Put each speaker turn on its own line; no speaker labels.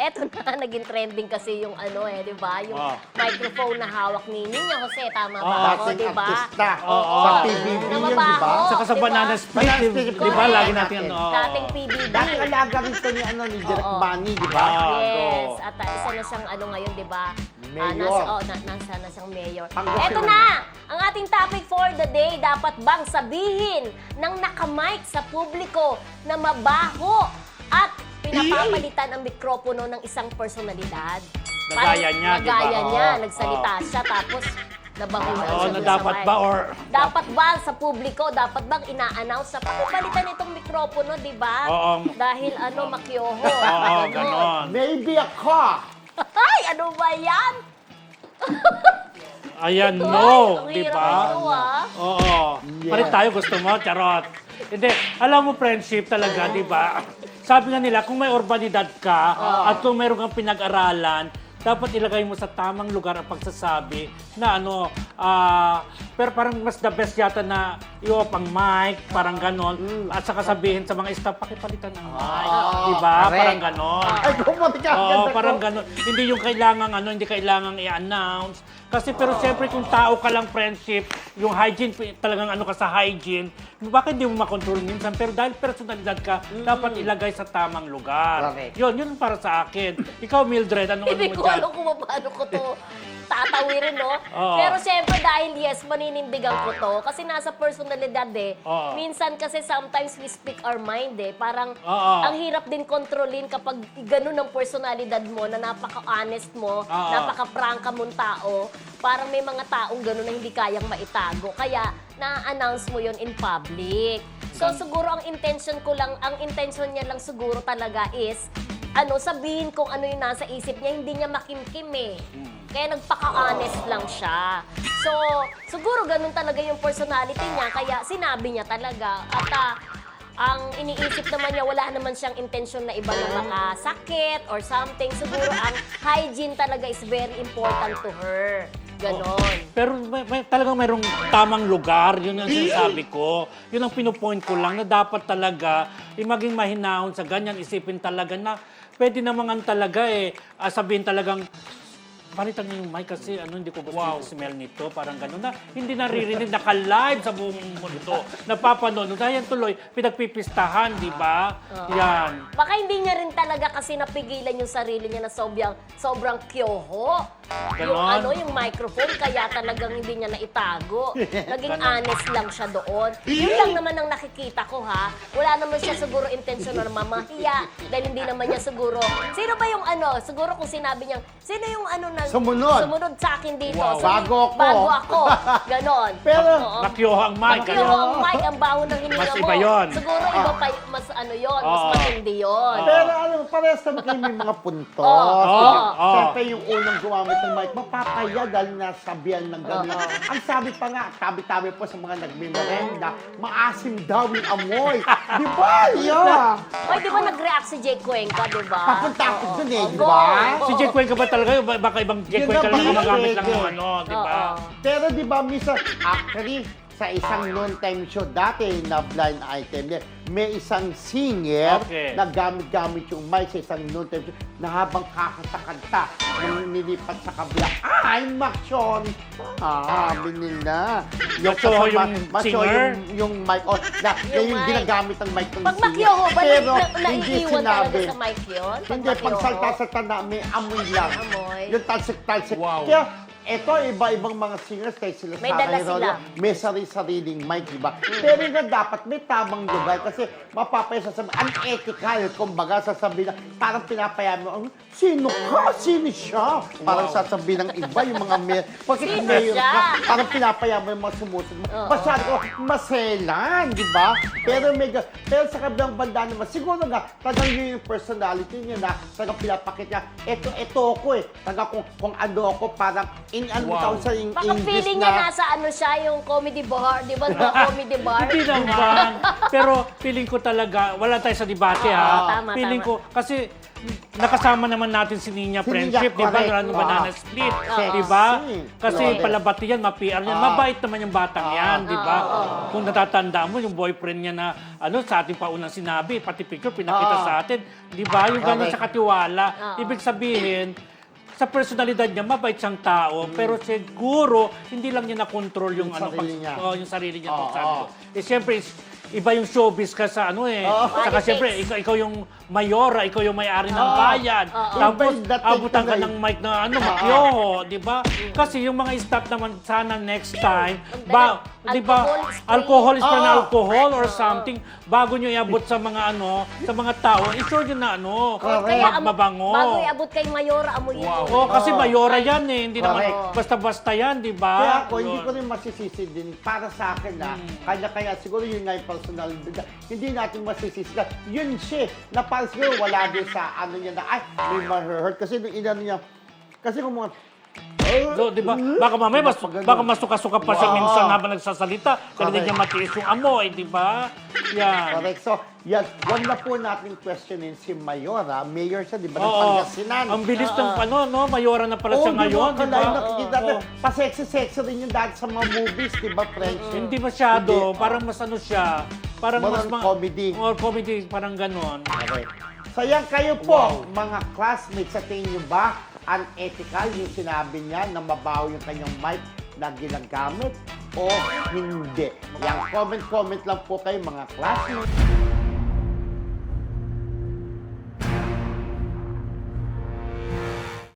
eto na, naging trending kasi yung ano di ba? Yung microphone na hawak ni Nina Jose, tama ba ako, di ba?
Artista.
Oo.
Sa PBB
Na
yun, di ba?
mabaho.
Saka sa
Diba?
Banana Split,
Banana
di
Split,
ba?
correct.
Lagi natin ano.
Dating PBB.
Dati alaga rin ito ni Direk
Oo.
Manny, di ba?
Yes, at isa na siyang ano ngayon, di ba?
Mayor.
Nasa na siyang mayor.
Pangasinan.
Eto na, ang ating topic for the day, dapat bang sabihin ng nakamike sa publiko na mabaho at pinapapalitan ang mikropono ng isang personalidad?
Nagaya niya, di ba?
Nagaya niya,
Oo.
nagsalita siya, tapos nabaho na
Oo,
siya
na
dun sa
dapat
mic.
ba or...
Dapat ba sa publiko, dapat bang ina-announce na pakipalitan itong mikropono, di ba?
Oo.
Dahil makyoho.
Oo, ganon.
Maybe ako.
Ay, ano ba yan?
Ayan,
Ay,
no.
ang
Di
hirap
ba?
ito, ah.
Oo.
Yeah.
Palit tayo, gusto mo? Charot. Hindi. Alam mo, friendship talaga, di ba? Sabi nga nila, kung may urbanidad ka at kung meron kang pinag-aralan, dapat ilagay mo sa tamang lugar ang pagsasabi na pero parang mas the best yata na i-off ang mic, parang ganon. At saka sabihin sa mga staff, pakipalitan ang mic. Di ba?
correct.
Parang ganon.
Ay, kumati ka.
Oo, parang gano'n. Hindi yung kailangan hindi kailangang i-announce. Kasi pero siyempre kung tao ka lang friendship, yung hygiene, talagang ka sa hygiene, bakit hindi mo makontrol minsan? Pero dahil personalidad ka, dapat ilagay sa tamang lugar.
Correct.
Yun para sa akin. Ikaw, Mildred, ano
Hindi
mo
ko
dyan?
alam kung paano ko to tatawirin, no?
Oo.
Pero siyempre dahil yes, maninindigan ko to. Kasi nasa personalidad
Oo.
Minsan kasi sometimes we speak our mind Parang
Oo.
ang hirap din kontrolin kapag ganun ang personalidad mo na napaka-honest mo,
Oo.
napaka-prangka mong tao. Parang may mga taong ganun na hindi kayang maitago. Kaya na-announce mo yon in public. So siguro ang intention niya lang siguro talaga is sabihin kung ano yung nasa isip niya, hindi niya makimkim Kaya nagpaka-honest lang siya. So, siguro ganun talaga yung personality niya, kaya sinabi niya talaga. At ang iniisip naman niya, wala naman siyang intensyon na iba na makasakit or something. Siguro ang hygiene talaga is very important to her. Ganon.
Pero talagang mayroong tamang lugar, yun ang sinasabi ko. Yun ang pinupoint ko lang na dapat talaga maging mahinahon sa ganyan, isipin talaga na pwede naman talaga sabihin talagang palitan niyo yung mic kasi hindi ko gusto yung smell nito. Parang gano'n na hindi naririnig, naka-live sa buong mundo. Napapanood. Dahil tuloy, pinagpipistahan, di ba? Yan.
Baka hindi niya rin talaga kasi napigilan yung sarili niya na sobrang kyoho.
Ganon.
Yung microphone, kaya talagang hindi niya naitago. Naging honest lang siya doon. Yun lang naman ang nakikita ko, ha? Wala naman siya siguro intensyon na mamahiya. Dahil hindi naman niya siguro. Sino ba yung siguro kung sinabi niya, sino yung na sumunod sa akin dito.
Wow.
Bago ako.
ako. Ganon.
Pero,
Nakyoho ang mic.
Nakyoho ang mic, ang baho ng hininga
Mas
mo.
iba yun.
Siguro iba pa, mas mas matindi yun.
pero parehas naman kayo may mga puntos. Siyempre yung unang gumamit ng mic, mapapaya dahil nasabihan ng gano'n. Ang sabi pa nga, tabi-tabi po sa mga nagmimerenda, maasim daw yung amoy. Di ba? Yeah.
Oy, di ba nag-react si Jake Cuenca, di ba?
Papunta ako dun di
Go.
ba?
Si Jake Cuenca ba talaga? Baka ibang Jake
Yun
Cuenca
na
lang
ba?
gumagamit lang
Pwede.
ng di ba?
Pero di ba, minsan, actually, sa isang noon-time show dati na blind item niya, may isang singer na gamit-gamit yung mic sa isang noon-time show na habang kakanta-kanta nang nilipat sa kabila. Ay, Maksyon! Nila.
Macho yung singer?
Yung mic. Yung
mic.
ginagamit ng mic ng
Pag
singer.
makyoho ba,
Pero hindi
naiiwan talaga
sinabi.
sa mic yun?
Hindi, pag salta-salta na, may amoy lang.
Amoy.
Yung talsik-talsik.
Wow.
Kaya, eto, iba-ibang mga singers, kaya sila
May
Sarah
dala
Herodio,
sila.
may sariling mic, di ba? Pero nga dapat may tamang lugar kasi mapapaya sasabihin, unethical, kumbaga sasabihin na, parang pinapaya mo, sino ka? Sino siya? Parang sasabihin ng iba, yung mga bakit
Sino
mayor
siya?
ka? Parang pinapaya mo yung mga sumusunod. Masyado ko, maselan, di ba? Pero sa kabilang banda naman, siguro nga, talagang yun yung personality niya na talagang pinapakit niya, eto ako Talagang kung ano ako, parang
Wow.
sa in
Baka
English
feeling niya
na...
nasa ano siya, yung comedy bar. Di ba? Comedy bar.
Hindi naman. Pero feeling ko talaga, wala tayo sa debate ha.
Tama,
Feeling
tama.
ko, kasi nakasama naman natin si Nina
Si
Friendship,
Nina,
di ba?
correct.
Ano, Banana Split,
Sexy.
di ba? Kasi
Flawless.
palabati yan, ma-PR yan. Mabait naman yung batang yan, di ba? Kung natatanda mo, yung boyfriend niya na, sa ating paunang sinabi, pati picture, pinakita sa atin, di ba? Yung gano'n
Correct.
sa katiwala. Ibig sabihin, sa personalidad niya, mabait siyang tao, pero siguro, hindi lang niya na-control yung,
sarili niya.
yung sarili niya. Sabi ko. Siyempre, iba yung showbiz ka sa Saka siyempre, ikaw yung mayora, ikaw yung may-ari ng bayan. Tapos,
Iba yung dating
abutan ka
tuloy.
ng mic na makyoho, di ba? Kasi yung mga staff naman, sana next time, di ba, alcohol spray na alcohol or something, bago nyo iabot sa mga sa mga tao, i-sure nyo na
Correct.
mabango.
Bago iabot kay Mayora, amuyin mo.
Oo, kasi mayora yan hindi naman
Correct.
basta-basta yan, di ba?
Kaya ako, hindi
Yun.
ko rin masisisi din. Para sa akin kanya-kanya, siguro yun nga yung personalidad. Hindi natin masisisi na yun siya, na parang siguro wala din sa niya na, ay, may ma-hurt. Kasi nung inano niya, kasi kung mga,
So, di ba? Baka mamaya, baka masuka-suka pa siya
Wow.
minsan habang nagsasalita. Kasi hindi
Correct.
niya matiis yung amoy, di ba? Yan.
correct. So, yan, wag na po natin questionin si Mayora. Mayor siya, di ba? Ng
Oo.
Pangasinan.
Ang bilis ng mayora na pala siya ngayon, di ba?
Nakikita natin, pa-sexy-sexy rin yung dati sa mga movies, di ba, friendship?
Hindi masyado.
Hindi.
Parang mas siya. Parang
Parang
mas
comedy.
Or comedy, parang ganon.
Okay. So yan kayo po, mga classmates, sa tingin nyo ba unethical yung sinabi niya na mabaho yung kanyang mic na ginagamit o hindi? Yan, comment lang po kayo mga classmates.